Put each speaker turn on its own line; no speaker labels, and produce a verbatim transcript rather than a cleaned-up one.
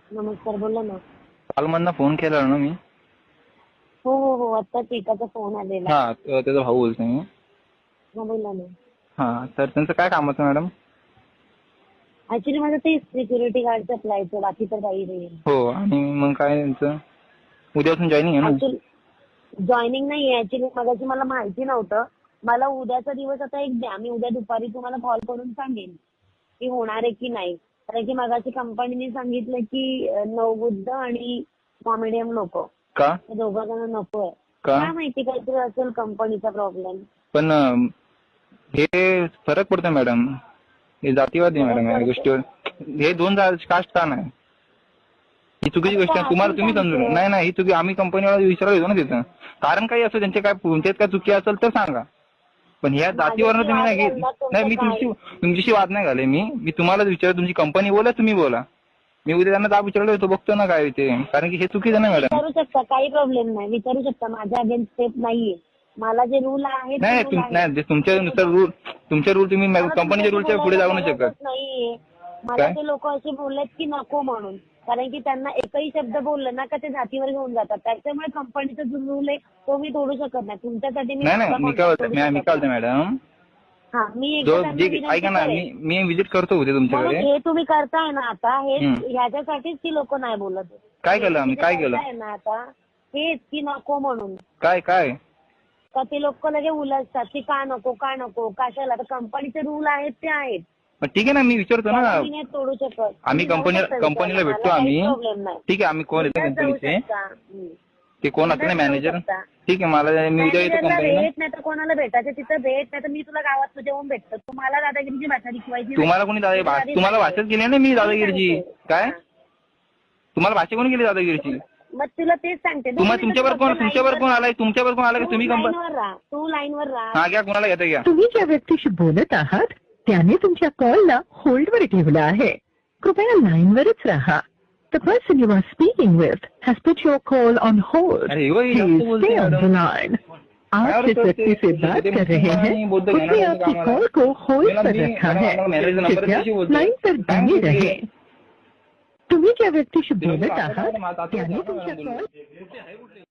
नमस्कार, बोला ना.
काल मधनं फोन केला ना मी.
हो हो हो आत्ताच एकाचा फोन आलेला.
हा त्याचा भाऊ बोलतोय मी.
हा बोला ना.
हा तर त्यांचं काय काम होतं मॅडम?
ऍक्च्युली माझं ते सिक्युरिटी गार्डचं अप्लायचं, बाकी तर काही नाही.
हो आणि मग काय त्यांचं उद्यापासून जॉईनिंग आहे ना?
ऍक्च्युली जॉईनिंग नाही आहे. ऍक्च्युली मगाशी मला माहिती नव्हतं. मला उद्याचा दिवस आता एक द्या, मी उद्या दुपारी तुम्हाला कॉल करून सांगेन की होणार आहे की नाही. कारण की मगाशी कंपनीने सांगितलं की नवबुद्ध आणि कॉमेडियन लोक
का
दोघं जण नको आहे.
का
काय माहिती काहीतरी असेल कंपनीचा प्रॉब्लेम.
पण अं, हे फरक पडतो मॅडम. हे जातीवादी आहे मॅडम या गोष्टीवर. हे दोन कास्ट का नाही? ही चुकीची गोष्ट आहे. तुम्हाला तुम्ही समजून नाही नाही ही चुकी आम्ही कंपनीवाला विचारायला येतो ना तिथं. कारण काही असं त्यांचे काय तुमच्यात काय चुकी असेल तर सांगा. पण ह्या जातीवरनं तुम्ही नाही घेत. नाही मी तुमची तुमच्याशी वाद नाही घाले. मी मी तुम्हाला विचार तुमची कंपनी बोला तुम्ही बोला. मी उद्या त्यांना दाब विचारलो होतो, बघतो ना काय ते. कारण की हे चुकीचं नाही मॅडम.
विचारू शकता, काही प्रॉब्लेम नाही, विचारू शकता. माझ्या अगेन्स्ट स्टेप नाहीये. मला जे रूल आहे
नाही नाही तुमच्यानुसार रूल तुमचे रूल तुम्ही कंपनीच्या रूलच्या पुढे जाऊ नाही शकत.
नाहीये. मला ते लोक असे बोललेत की नको म्हणून. कारण की त्यांना एकही शब्द बोललं ना का ते जातीवर घेऊन जातात. त्याच्यामुळे कंपनीचा जो रूल आहे तो मी तोडू शकत नाही. तुमच्यासाठी मी
नाही नाही मी काय बोलतो मी काय बोलतो मॅडम.
हा मी
जो ऐका ना मी मी व्हिजिट करतो उद्या तुमच्याकडे.
हे तुम्ही करताय ना आता, हे ह्याच्यासाठीच ती लोक नाही बोलत.
काय केलं आम्ही काय केलं
ना आता हेच की नको म्हणून.
काय काय
तर ते लोक लगे उलटतात की का नको का नको कशाला. तर कंपनीचे रूल आहेत ते आहेत.
ठीक आहे ना मी विचारतो ना.
तोडू शकत
आम्ही कंपनीला कंपनीला भेटतो आम्ही. ठीक आहे आम्ही कोण येतो कंपनीचे ते कोण असतं ना मॅनेजर. ठीक आहे मला मी उद्या येतो कंपनीला.
भेट नाही तर कोणाला भेटायचं तिथं भेट, नाही तर मी तुला गावात तुझ्या येऊन भेटतो. तुम्हाला दादागिरीची भाषा शिकवायची.
तुम्हाला कोणी दादा तुम्हाला भाषाच केली ना मी दादागिरीची. काय तुम्हाला भाषा कोणी केली दादागिरीची?
मग तुला तेच सांगते.
तुम्हाला तुमच्यावर कोण तुमच्यावर कोण आलाय तुमच्यावर कोण आलाय तुम्ही कंपनी
राहा, तू लाईनवर राहा.
हा घ्या कोणाला घेता घ्या.
तुम्ही ज्या व्यक्तीशी बोलत आहात त्याने तुमच्या कॉलला होल्डवर ठेवला आहे. कृपया लाईनवरच राहा. The person you are speaking with has put your call on hold. Please stay on the line. आप जिस व्यक्ति से बात कर रहे हैं उसने आपकी कॉल को होल्ड पर रखा है. कृपया लाइन पर बने रहे. तुम्ही ज्या व्यक्तीशी बोलत आहात त्याने तुमच्या कॉल